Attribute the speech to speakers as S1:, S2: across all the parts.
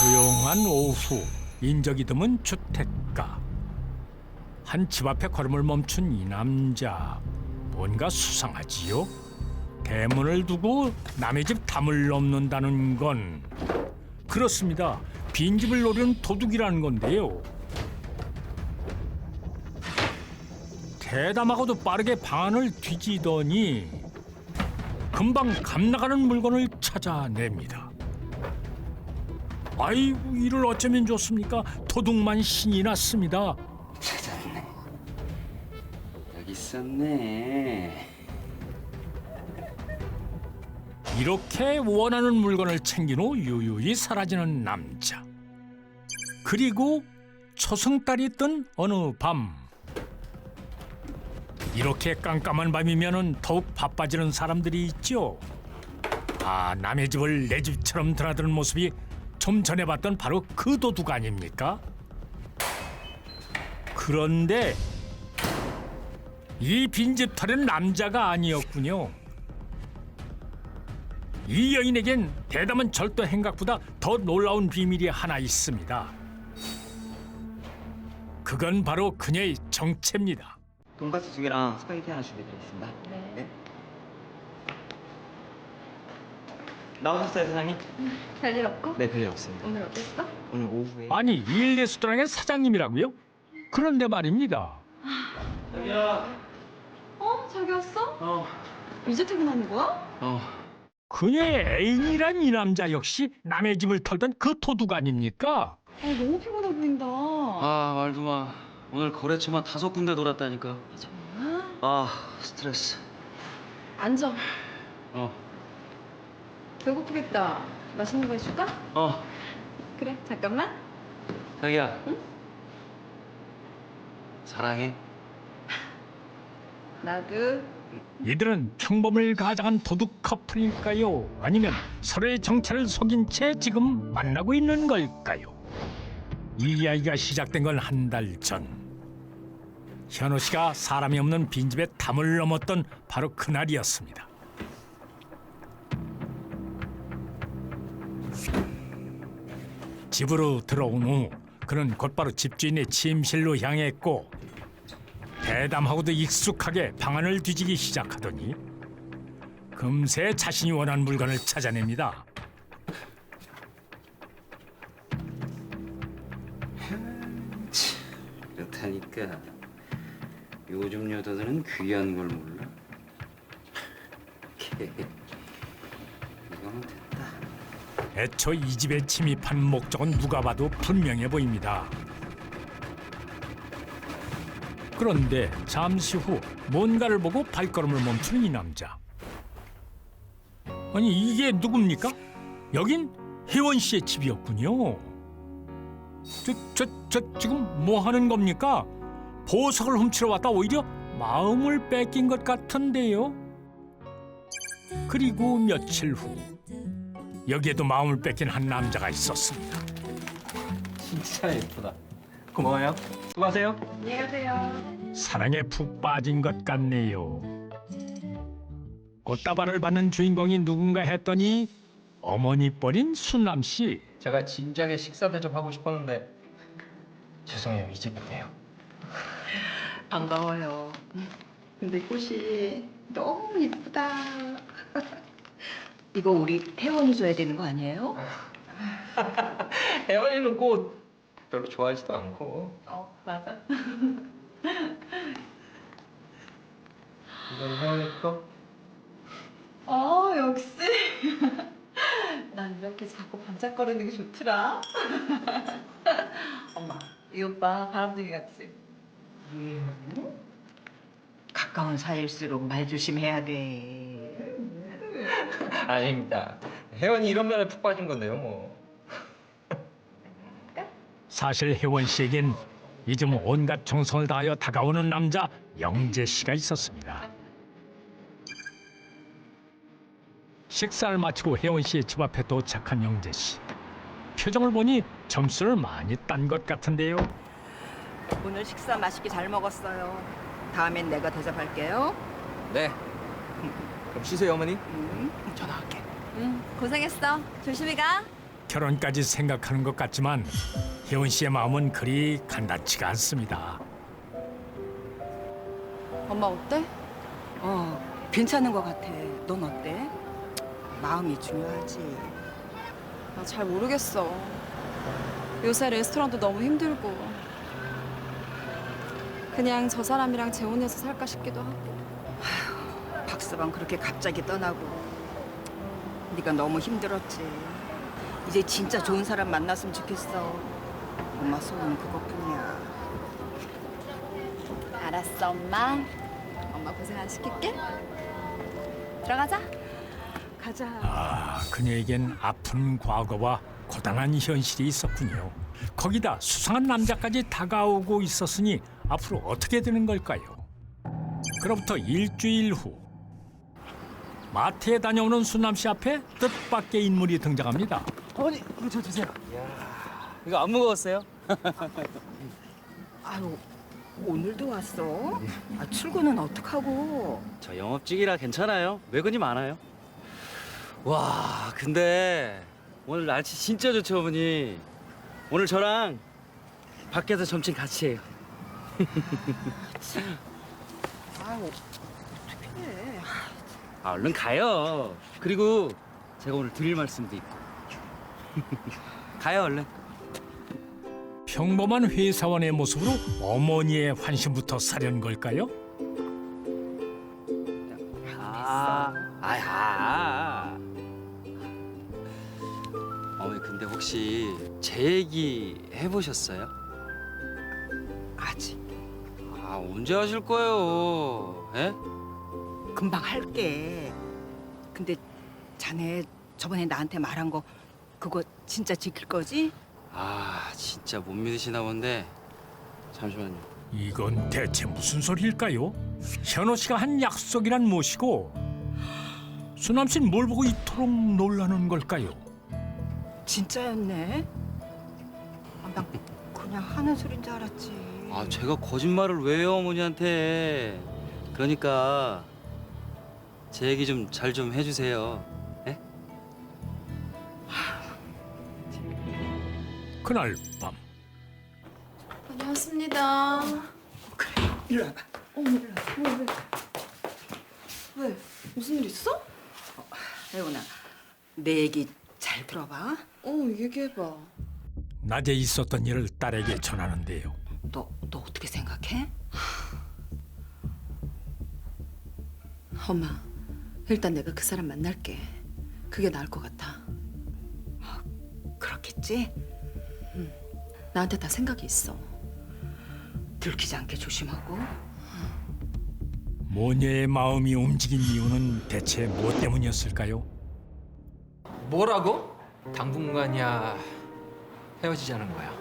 S1: 조용한 오후, 인적이 드문 주택가. 한 집 앞에 걸음을 멈춘 이 남자. 뭔가 수상하지요? 대문을 두고 남의 집 담을 넘는다는 건 그렇습니다. 빈집을 노리는 도둑이라는 건데요. 대담하고도 빠르게 방 안을 뒤지더니 금방 감나가는 물건을 찾아냅니다. 아이고, 이를 어쩌면 좋습니까? 도둑만 신이 났습니다.
S2: 찾았네. 여기 있었네.
S1: 이렇게 원하는 물건을 챙긴 후 유유히 사라지는 남자. 그리고 초승달이 뜬 어느 밤. 이렇게 깜깜한 밤이면은 더욱 바빠지는 사람들이 있죠. 아, 남의 집을 내 집처럼 드나드는 모습이 좀 전에 봤던 바로 그 도둑 아닙니까? 그런데 이 빈집 털은 남자가 아니었군요. 이 여인에겐 대담한 절도 행각보다 더 놀라운 비밀이 하나 있습니다. 그건 바로 그녀의 정체입니다.
S2: 돈가스 2개랑 스파게티 하나 준비드리겠습니다.
S3: 네.
S2: 나오셨어요, 사장님?
S3: 별일 없고?
S2: 네, 별일 없습니다.
S3: 오늘 어땠어?
S2: 오늘 오후에
S1: 아니, 일 레스토랑의 사장님이라고요? 그런데 말입니다.
S2: 자기야.
S3: 어? 자기 왔어?
S2: 어.
S3: 이제 퇴근하는 거야?
S2: 어.
S1: 그녀의 애인이란 이 남자 역시 남의 집을 털던 그 도둑 아닙니까?
S3: 아, 너무 피곤해 보인다.
S2: 아, 말도 마. 오늘 거래처만 5군데 돌았다니까.
S3: 정말?
S2: 아, 스트레스.
S3: 앉아.
S2: 어.
S3: 배고프겠다. 맛있는 거 해줄까?
S2: 어.
S3: 그래, 잠깐만.
S2: 자기야. 응? 사랑해.
S3: 나도.
S1: 이들은 평범을 가장한 도둑 커플일까요? 아니면 서로의 정체를 속인 채 지금 만나고 있는 걸까요? 이 이야기가 시작된 건 한 달 전. 현호 씨가 사람이 없는 빈집에 담을 넘었던 바로 그날이었습니다. 집으로 들어온 후 그는 곧바로 집주인의 침실로 향했고 대담하고도 익숙하게 방안을 뒤지기 시작하더니 금세 자신이 원하는 물건을 찾아냅니다.
S2: 그렇다니까. 요즘 여자들은 귀한 걸 몰라. 이거면 됐다.
S1: 애초 이 집에 침입한 목적은 누가 봐도 분명해 보입니다. 그런데 잠시 후 뭔가를 보고 발걸음을 멈추는 이 남자. 아니, 이게 누굽니까? 여긴 혜원 씨의 집이었군요. 저 지금 뭐 하는 겁니까? 보석을 훔치러 왔다 오히려 마음을 뺏긴 것 같은데요. 그리고 며칠 후 여기에도 마음을 뺏긴 한 남자가 있었습니다.
S2: 진짜 예쁘다. 고마워요. 수고하세요.
S3: 안녕히 가세요.
S1: 사랑에 푹 빠진 것 같네요. 꽃다발을 받는 주인공이 누군가 했더니 어머니 뻘인 순남 씨.
S4: 제가 진작에 식사 대접하고 싶었는데 죄송해요, 이제 못해요.
S5: 반가워요. 근데 꽃이 너무 예쁘다. 이거 우리 태원이 줘야 되는 거 아니에요?
S4: 혜원이는 꽃 별로 좋아하지도 않고.
S5: 맞아.
S4: 이건 혜원이 거?
S5: 역시. 난 이렇게 자꾸 반짝거리는 게 좋더라. 엄마, 이 오빠 바람둥이 같지? 가까운 사이일수록 말 조심해야 돼.
S4: 아닙니다. 혜원이 이런 면에 푹 빠진 건데요, 뭐.
S1: 사실 혜원 씨에겐 이즘 온갖 정성을 다하여 다가오는 남자 영재 씨가 있었습니다. 식사를 마치고 혜원 씨의 집 앞에 도착한 영재 씨. 표정을 보니 점수를 많이 딴 것 같은데요.
S5: 오늘 식사 맛있게 잘 먹었어요. 다음엔 내가 대접할게요.
S4: 네. 그럼 쉬세요, 어머니. 전화할게.
S3: 고생했어. 조심히 가.
S1: 결혼까지 생각하는 것 같지만 혜원 씨의 마음은 그리 간단치가 않습니다.
S3: 엄마 어때?
S5: 괜찮은 것 같아. 넌 어때? 마음이 중요하지.
S3: 나 잘 모르겠어. 요새 레스토랑도 너무 힘들고. 그냥 저 사람이랑 재혼해서 살까 싶기도 하고.
S5: 박서방 그렇게 갑자기 떠나고 네가 너무 힘들었지. 이제 진짜 좋은 사람 만났으면 좋겠어. 엄마 소원은 그것뿐이야.
S3: 알았어, 엄마. 엄마 고생 안 시킬게. 들어가자.
S5: 가자.
S1: 아, 그녀에겐 아픈 과거와 고단한 현실이 있었군요. 거기다 수상한 남자까지 다가오고 있었으니 앞으로 어떻게 되는 걸까요? 그로부터 일주일 후 마트에 다녀오는 순남 씨 앞에 뜻밖의 인물이 등장합니다.
S2: 어머니 이거 저 주세요. 이거 안 무거웠어요?
S5: 아유, 오늘도 왔어? 출근은 어떡하고?
S2: 저 영업직이라 괜찮아요. 외근이 많아요. 와, 근데 오늘 날씨 진짜 좋죠, 어머니. 오늘 저랑 밖에서 점심 같이 해요.
S5: 아유, 어떡해.
S2: 얼른 가요. 그리고 제가 오늘 드릴 말씀도 있고. 가요, 얼른.
S1: 평범한 회사원의 모습으로 어머니의 환심부터 사려는 걸까요?
S2: 어머니 근데 혹시 제 얘기 해보셨어요?
S5: 아직
S2: 언제 하실 거예요? 예?
S5: 금방 할게. 근데 자네 저번에 나한테 말한 거 그거 진짜 지킬 거지?
S2: 진짜 못 믿으시나 본데 잠시만요.
S1: 이건 대체 무슨 소리일까요? 현호 씨가 한 약속이란 무엇이고 수남 씨는 뭘 보고 이토록 놀라는 걸까요?
S5: 진짜였네. 난 그냥 하는 소린 줄 알았지.
S2: 제가 거짓말을 왜 해요, 어머니한테. 그러니까 제 얘기 좀 잘 좀 해주세요. 예?
S1: 그날 밤
S3: 다녀왔습니다.
S5: 일로 와봐.
S3: 왜? 무슨 일 있어?
S5: 혜원아, 내 얘기 잘 들어봐.
S3: 얘기해봐.
S1: 낮에 있었던 일을 딸에게 전하는데요.
S5: 너 어떻게 생각해?
S3: 엄마, 일단 내가 그 사람 만날게. 그게 나을 것 같아.
S5: 그렇겠지?
S3: 나한테 다 생각이 있어.
S5: 들키지 않게 조심하고.
S1: 모녀의 마음이 움직인 이유는 대체 무엇 때문이었을까요?
S4: 뭐라고? 당분간이야 헤어지자는 거야.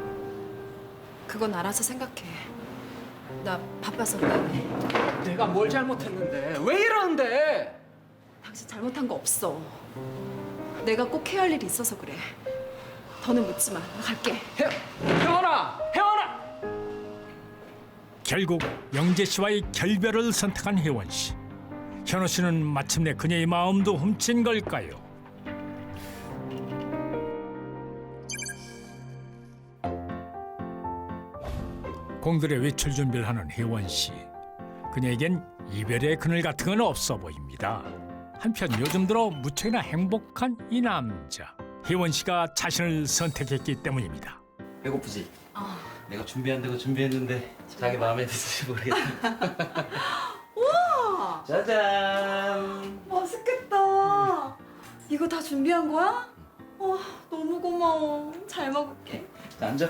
S3: 그건 알아서 생각해. 나 바빠서 미안해.
S4: 내가 뭘 잘못했는데 왜 이러는데?
S3: 당신 잘못한 거 없어. 내가 꼭 해야 할 일이 있어서 그래. 더는 묻지 마. 나 갈게.
S4: 혜원아!
S1: 결국 영재 씨와의 결별을 선택한 혜원 씨. 현호 씨는 마침내 그녀의 마음도 훔친 걸까요? 공들의 외출 준비를 하는 혜원 씨. 그녀에겐 이별의 그늘 같은 건 없어 보입니다. 한편 요즘 들어 무척이나 행복한 이 남자. 혜원 씨가 자신을 선택했기 때문입니다.
S2: 배고프지? 내가 준비한다고 준비했는데 자기 마음에 들지 모르겠다.
S3: 우와!
S2: 짜잔!
S3: 맛있겠다. 이거 다 준비한 거야? 너무 고마워. 잘 먹을게.
S2: 자, 앉아.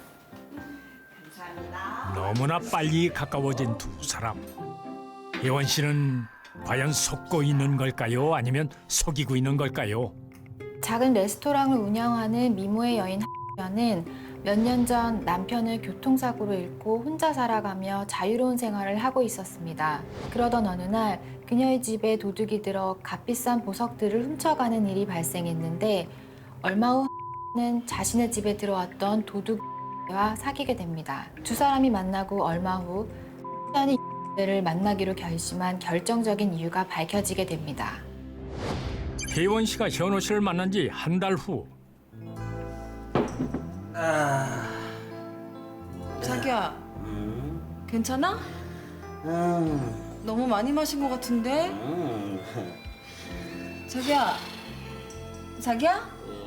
S1: 너무나 빨리 가까워진 두 사람. 혜원 씨는 과연 속고 있는 걸까요? 아니면 속이고 있는 걸까요?
S6: 작은 레스토랑을 운영하는 미모의 여인 X녀는 몇 년 전 남편을 교통사고로 잃고 혼자 살아가며 자유로운 생활을 하고 있었습니다. 그러던 어느 날 그녀의 집에 도둑이 들어 값비싼 보석들을 훔쳐가는 일이 발생했는데 얼마 후 X는 자신의 집에 들어왔던 도둑과 사귀게 됩니다. 두 사람이 만나고 얼마 후 X녀는 를 만나기로 결심한 결정적인 이유가 밝혀지게 됩니다.
S1: 혜원 씨가 현호 씨를 만난 지 한 달 후
S3: 자기야, 괜찮아? 너무 많이 마신 것 같은데? 자기야?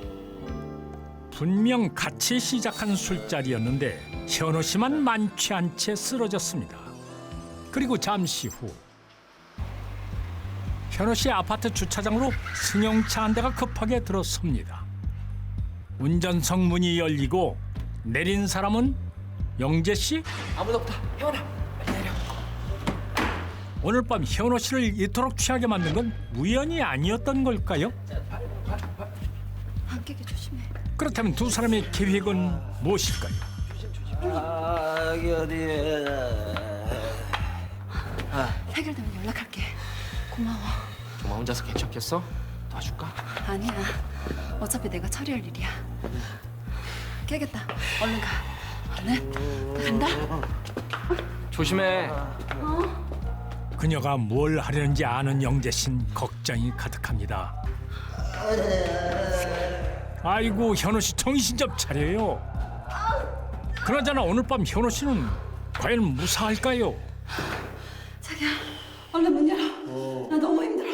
S1: 분명 같이 시작한 술자리였는데 현호 씨만 만취 한 채 쓰러졌습니다. 그리고 잠시 후 현호 씨 아파트 주차장으로 승용차 한 대가 급하게 들어섭니다. 운전석 문이 열리고 내린 사람은 영재 씨?
S4: 아무도 없다. 혜원아, 빨리 내려.
S1: 오늘 밤 현호 씨를 이토록 취하게 만든 건 우연이 아니었던 걸까요?
S3: 안 깨게 조심해.
S1: 그렇다면 두 사람의 계획은 무엇일까요?
S2: 여기 어디에?
S3: 해결되면 연락할게. 고마워.
S4: 정말 혼자서 괜찮겠어? 도와줄까?
S3: 아니야. 어차피 내가 처리할 일이야. 깨겠다. 얼른 가. 얼른. 나 간다.
S4: 조심해.
S1: 그녀가 뭘 하려는지 아는 영재 씨는 걱정이 가득합니다. 아이고 현호 씨 정신 좀 차려요. 그나저나 오늘 밤 현호 씨는 과연 무사할까요?
S3: 자기야, 얼른 문 열어. 나 너무 힘들어.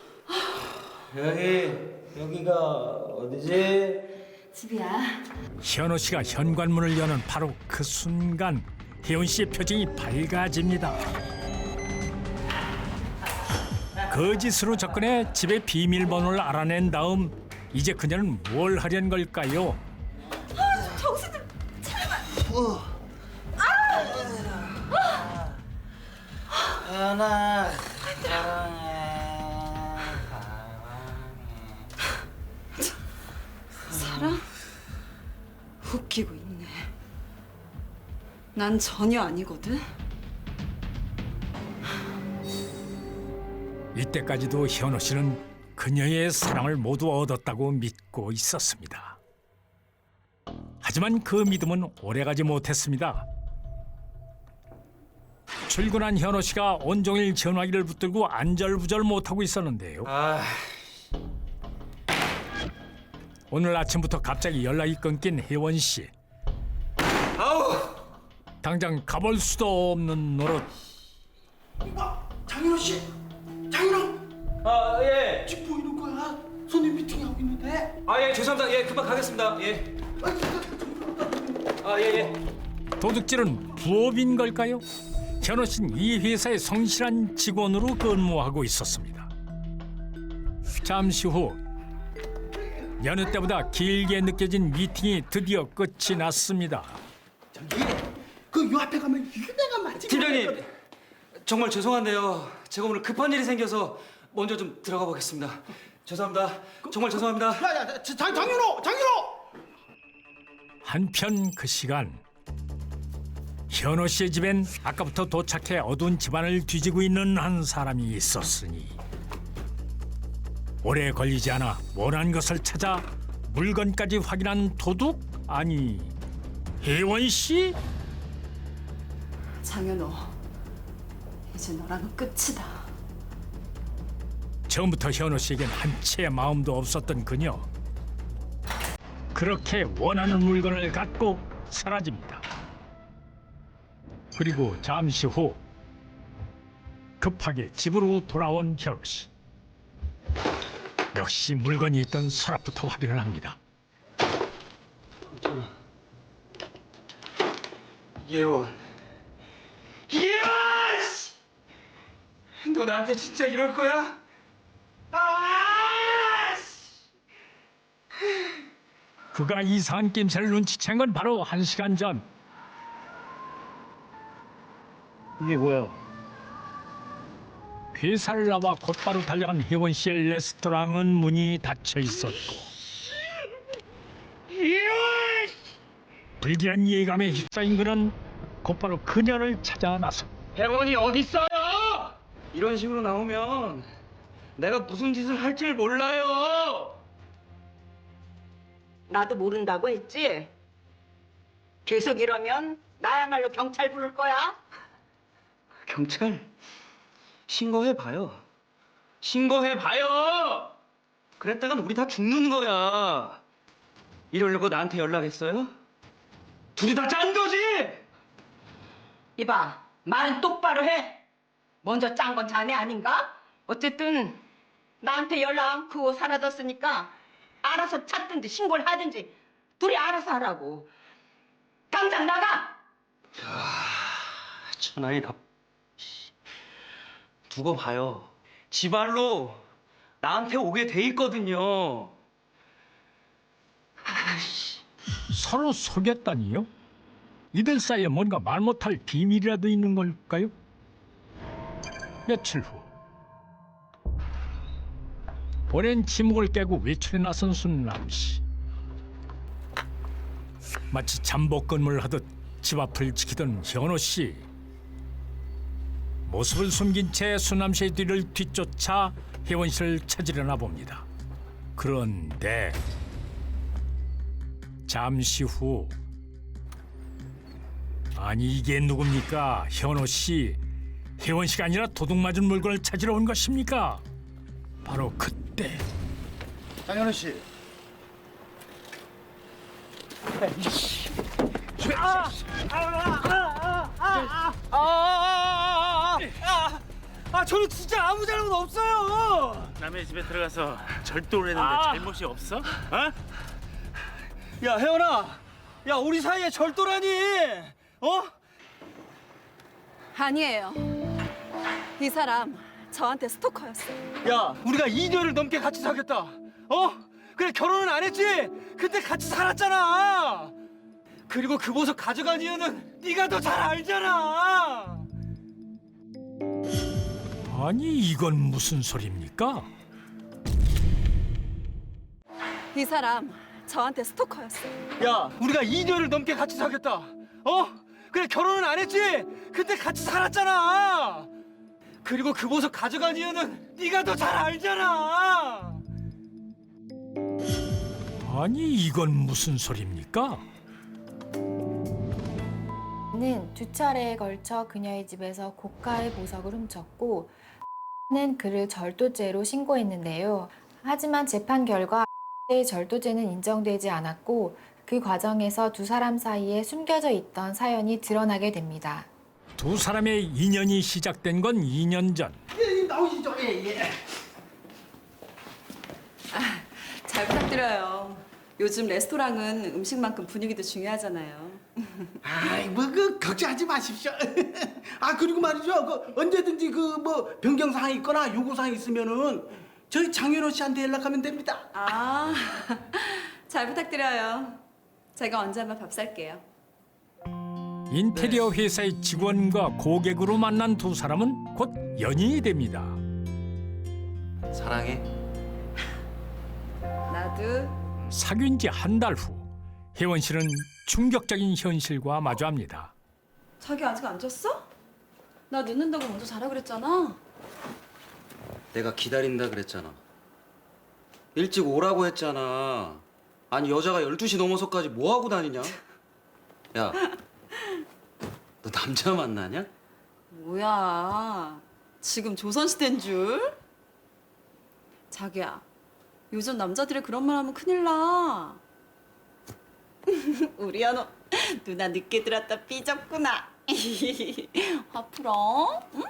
S2: 여기가 어디지?
S3: 집이야.
S1: 현호 씨가 현관문을 여는 바로 그 순간 혜원 씨의 표정이 밝아집니다. 거짓으로 접근해 집의 비밀번호를 알아낸 다음 이제 그녀는 뭘 하려는 걸까요?
S3: 정신을
S2: 하나.
S3: 사람? 웃기고 있네. 난 전혀 아니거든.
S1: 이때까지도 현호 씨는 그녀의 사랑을 모두 얻었다고 믿고 있었습니다. 하지만 그 믿음은 오래가지 못했습니다. 출근한 현호 씨가 온종일 전화기를 붙들고 안절부절 못하고 있었는데요. 오늘 아침부터 갑자기 연락이 끊긴 혜원 씨. 당장 가볼 수도 없는 노릇.
S7: 장인호 씨, 장인호,
S2: 예.
S7: 지금 뭐 이런 거야? 손님 미팅하고 있는데.
S2: 예, 죄송합니다. 예, 금방 가겠습니다. 예. 예.
S1: 도둑질은 부업인 걸까요? 현호 씨는 이 회사의 성실한 직원으로 근무하고 있었습니다. 잠시 후 여느 때보다 길게 느껴진 미팅이 드디어 끝이 났습니다.
S7: 저기, 그 요 앞에 가면 유명한 맛집.
S2: 팀장님, 정말 죄송한데요. 제가 오늘 급한 일이 생겨서 먼저 좀 들어가 보겠습니다. 죄송합니다. 정말 죄송합니다.
S7: 야야, 장인호.
S1: 한편 그 시간 현호 씨의 집엔 아까부터 도착해 어두운 집안을 뒤지고 있는 한 사람이 있었으니 오래 걸리지 않아 원한 것을 찾아 물건까지 확인한 도둑? 아니 혜원 씨?
S3: 장현호, 이제 너랑은 끝이다.
S1: 처음부터 현호 씨에겐 한 채의 마음도 없었던 그녀. 그렇게 원하는 물건을 갖고 사라집니다. 그리고 잠시 후 급하게 집으로 돌아온 현호 씨. 역시 물건이 있던 서랍부터 확인을 합니다.
S7: 예원. 너 나한테 진짜 이럴 거야?
S1: 그가 이상한 낌새를 눈치챈 건 바로 1시간 전.
S4: 이게 뭐야?
S1: 회사를 나와 곧바로 달려간 혜원 씨의 레스토랑은 문이 닫혀 있었고 불길한 예감에 휩싸인 그는 곧바로 그녀를 찾아 나서
S4: 혜원이 어디 있어요? 이런 식으로 나오면 내가 무슨 짓을 할지 몰라요.
S5: 나도 모른다고 했지? 계속 이러면 나야말로 경찰 부를 거야.
S4: 경찰 신고해봐요. 신고해봐요. 그랬다간 우리 다 죽는 거야. 이러려고 나한테 연락했어요? 둘이 다 짠 거지?
S5: 이봐, 말은 똑바로 해. 먼저 짠 건 자네 아닌가? 어쨌든 나한테 연락 않고 사라졌으니까 알아서 찾든지 신고를 하든지 둘이 알아서 하라고. 당장 나가!
S4: 천하이다. 두고 봐요. 지발로 나한테 오게 돼 있거든요.
S1: 서로 속였다니요? 이들 사이에 뭔가 말 못할 비밀이라도 있는 걸까요? 며칠 후 오랜 침묵을 깨고 외출에 나선 순남 씨. 마치 잠복근무를 하듯 집 앞을 지키던 현호 씨. 모습을 숨긴 채 순남 씨의 뒤를 뒤쫓아 혜원 씨를 찾으려나 봅니다. 그런데 잠시 후, 아니 이게 누굽니까? 현호 씨. 혜원 씨가 아니라 도둑 맞은 물건을 찾으러 온 것입니까? 바로 그때
S7: 장현우 씨.
S4: 저는 진짜 아무 잘못 없어요.
S8: 남의 집에 들어가서 절도를 했는데 잘못이 없어? 어?
S4: 야, 혜원아. 야, 우리 사이에 절도라니. 어?
S3: 아니에요. 이 사람 저한테 스토커였어요.
S4: 야, 우리가 2년을 넘게 같이 사귀었다. 어? 그래, 결혼은 안 했지? 근데 같이 살았잖아. 그리고 그 보석 가져간 이유는 네가 더 잘 알잖아.
S1: 아니 이건 무슨 소리입니까?
S3: 이 사람 저한테 스토커였어요.
S4: 야, 우리가 2년을 넘게 같이 사귀었다. 어? 그래, 결혼은 안 했지? 근데 같이 살았잖아. 그리고 그 보석 가져간 이유는 네가 더 잘 알잖아.
S1: 아니 이건 무슨 소리입니까?
S6: 는 두 차례에 걸쳐 그녀의 집에서 고가의 보석을 훔쳤고 는 그를 절도죄로 신고했는데요. 하지만 재판 결과 의 절도죄는 인정되지 않았고 그 과정에서 두 사람 사이에 숨겨져 있던 사연이 드러나게 됩니다.
S1: 두 사람의 인연이 시작된 건 2년 전.
S7: 예, 나오시죠. 예, 예.
S3: 잘 부탁드려요. 요즘 레스토랑은 음식만큼 분위기도 중요하잖아요.
S7: 아이, 그 걱정하지 마십시오. 아, 그리고 말이죠. 언제든지 변경 사항이 있거나 요구 사항이 있으면은 저희 장현호 씨한테 연락하면 됩니다.
S3: 아, 잘 부탁드려요. 제가 언제 한번 밥 살게요.
S1: 인테리어 회사의 직원과 고객으로 만난 두 사람은 곧 연인이 됩니다.
S2: 사랑해.
S3: 나도.
S1: 사귄 지 한 달 후 혜원 씨는 충격적인 현실과 마주합니다.
S3: 자기 아직 안 잤어? 나 늦는다고 먼저 자라 그랬잖아.
S2: 내가 기다린다 그랬잖아. 일찍 오라고 했잖아. 아니 여자가 12시 넘어서까지 뭐 하고 다니냐? 야, 너 남자 만나냐?
S3: 뭐야, 지금 조선시대인 줄? 자기야, 요즘 남자들이 그런 말 하면 큰일 나. 우리 연호, 누나 늦게 들었다 삐졌구나. 화 풀어? 응?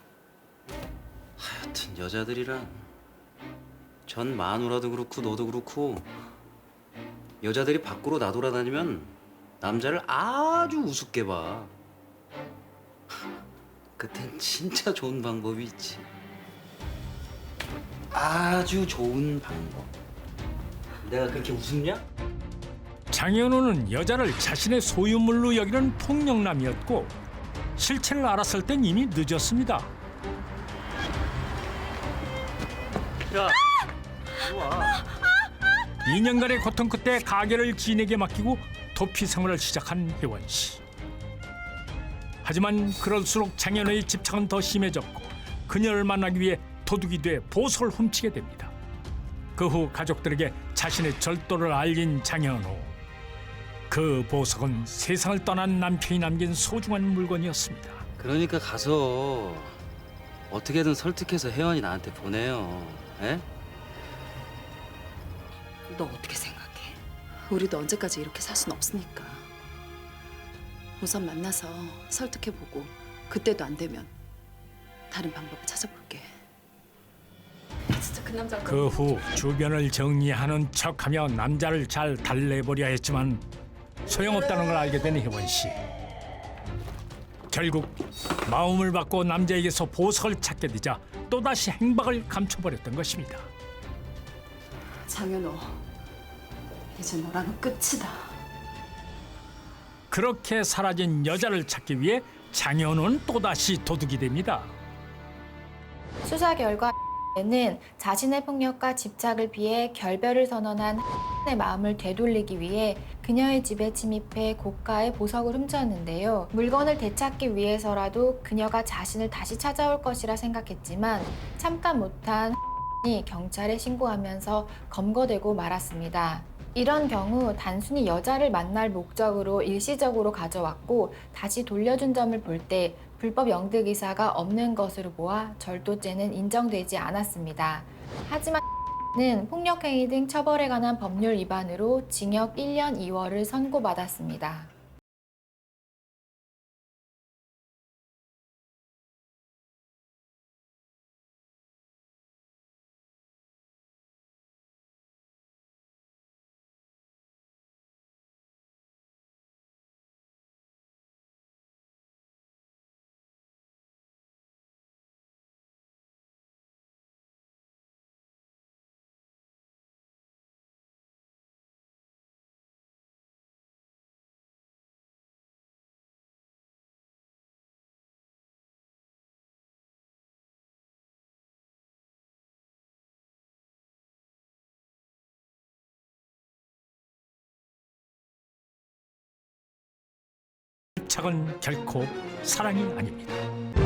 S2: 하여튼 여자들이란 전 마누라도 그렇고 너도 그렇고 여자들이 밖으로 나돌아다니면 남자를 아주 우습게 봐. 그땐 진짜 좋은 방법이 있지. 아주 좋은 방법. 내가 그렇게 우습냐?
S1: 장현우는 여자를 자신의 소유물로 여기는 폭력남이었고 실체를 알았을 땐 이미 늦었습니다.
S2: 야, 이리 와.
S1: 2년간의 고통 끝에 가게를 지인에게 맡기고 도피 생활을 시작한 혜원 씨. 하지만 그럴수록 장현우의 집착은 더 심해졌고 그녀를 만나기 위해 도둑이 돼 보석을 훔치게 됩니다. 그 후 가족들에게 자신의 절도를 알린 장현우. 그 보석은 세상을 떠난 남편이 남긴 소중한 물건이었습니다.
S2: 그러니까 가서 어떻게든 설득해서 혜원이 나한테 보내요. 에?
S5: 너 어떻게 생각해?
S3: 우리도 언제까지 이렇게 살 순 없으니까. 우선 만나서 설득해보고 그때도 안 되면 다른 방법을 찾아볼게. 진짜 그 남자
S1: 그 후 주변을 정리하는 척하며 남자를 잘 달래보려 했지만 소용없다는 걸 알게 된 혜원 씨. 결국 마음을 바꿔 남자에게서 보석을 찾게 되자 또다시 행방을 감춰버렸던 것입니다.
S3: 장현호, 이제 너랑은 끝이다.
S1: 그렇게 사라진 여자를 찾기 위해 장현우는 또다시 도둑이 됩니다.
S6: 수사 결과 는 자신의 폭력과 집착을 피해 결별을 선언한 의 마음을 되돌리기 위해 그녀의 집에 침입해 고가의 보석을 훔쳤는데요. 물건을 되찾기 위해서라도 그녀가 자신을 다시 찾아올 것이라 생각했지만 참다 못한 이 경찰에 신고하면서 검거되고 말았습니다. 이런 경우 단순히 여자를 만날 목적으로 일시적으로 가져왔고 다시 돌려준 점을 볼 때 불법 영득 의사가 없는 것으로 보아 절도죄는 인정되지 않았습니다. 하지만 는 폭력행위 등 처벌에 관한 법률 위반으로 징역 1년 2월을 선고받았습니다.
S1: 착은 결코 사랑이 아닙니다.